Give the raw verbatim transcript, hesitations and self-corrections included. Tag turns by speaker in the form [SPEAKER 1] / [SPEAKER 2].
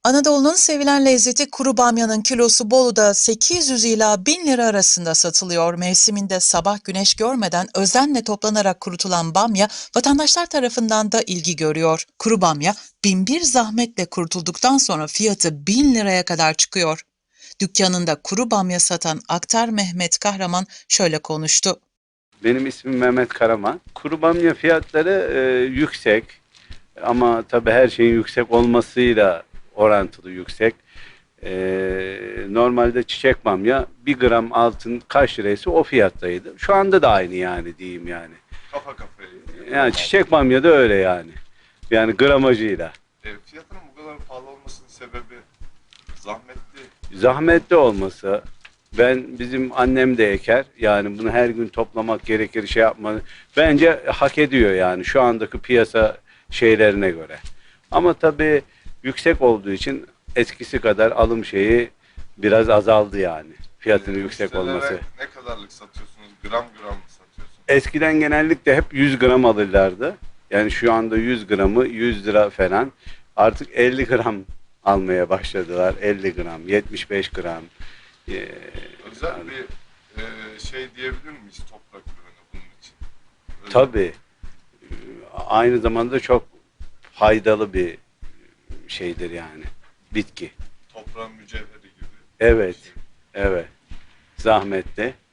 [SPEAKER 1] Anadolu'nun sevilen lezzeti kuru bamyanın kilosu Bolu'da sekiz yüz ila bin lira arasında satılıyor. Mevsiminde sabah güneş görmeden özenle toplanarak kurutulan bamya vatandaşlar tarafından da ilgi görüyor. Kuru bamya bin bir zahmetle kurutulduktan sonra fiyatı bin liraya kadar çıkıyor. Dükkanında kuru bamya satan Aktar Mehmet Kahraman şöyle konuştu.
[SPEAKER 2] Benim ismim Mehmet Karaman. Kuru bamya fiyatları e, yüksek ama tabii her şeyin yüksek olmasıyla orantılı yüksek. E, normalde çiçek bamya bir gram altın kaç liraysa o fiyattaydı. Şu anda da aynı yani diyeyim yani.
[SPEAKER 3] Kafa kafaya.
[SPEAKER 2] Yani çiçek bamya da öyle yani. Yani gramajıyla.
[SPEAKER 3] E, fiyatının bu kadar pahalı olmasının sebebi zahmetli.
[SPEAKER 2] Zahmetli olması. Ben bizim annem de eker. Yani bunu her gün toplamak gerekir, şey yapma. Bence hak ediyor yani şu andaki piyasa şeylerine göre. Ama tabii yüksek olduğu için eskisi kadar alım şeyi biraz azaldı yani. Fiyatının
[SPEAKER 3] E,
[SPEAKER 2] yüksek
[SPEAKER 3] müşterilere
[SPEAKER 2] olması.
[SPEAKER 3] Ne kadarlık satıyorsunuz? Gram gram mı satıyorsunuz?
[SPEAKER 2] Eskiden genellikle hep yüz gram alırlardı. Yani şu anda yüz gramı yüz lira falan. Artık elli gram almaya başladılar. elli gram, yetmiş beş gram. Ee,
[SPEAKER 3] Özel
[SPEAKER 2] yani,
[SPEAKER 3] bir e, şey diyebilir miyiz toprak ürünü bunun için? Öyle
[SPEAKER 2] tabii. Ee, Aynı zamanda çok faydalı bir şeydir yani. Bitki.
[SPEAKER 3] toprağın mücevheri gibi.
[SPEAKER 2] Evet. Evet. Zahmetli.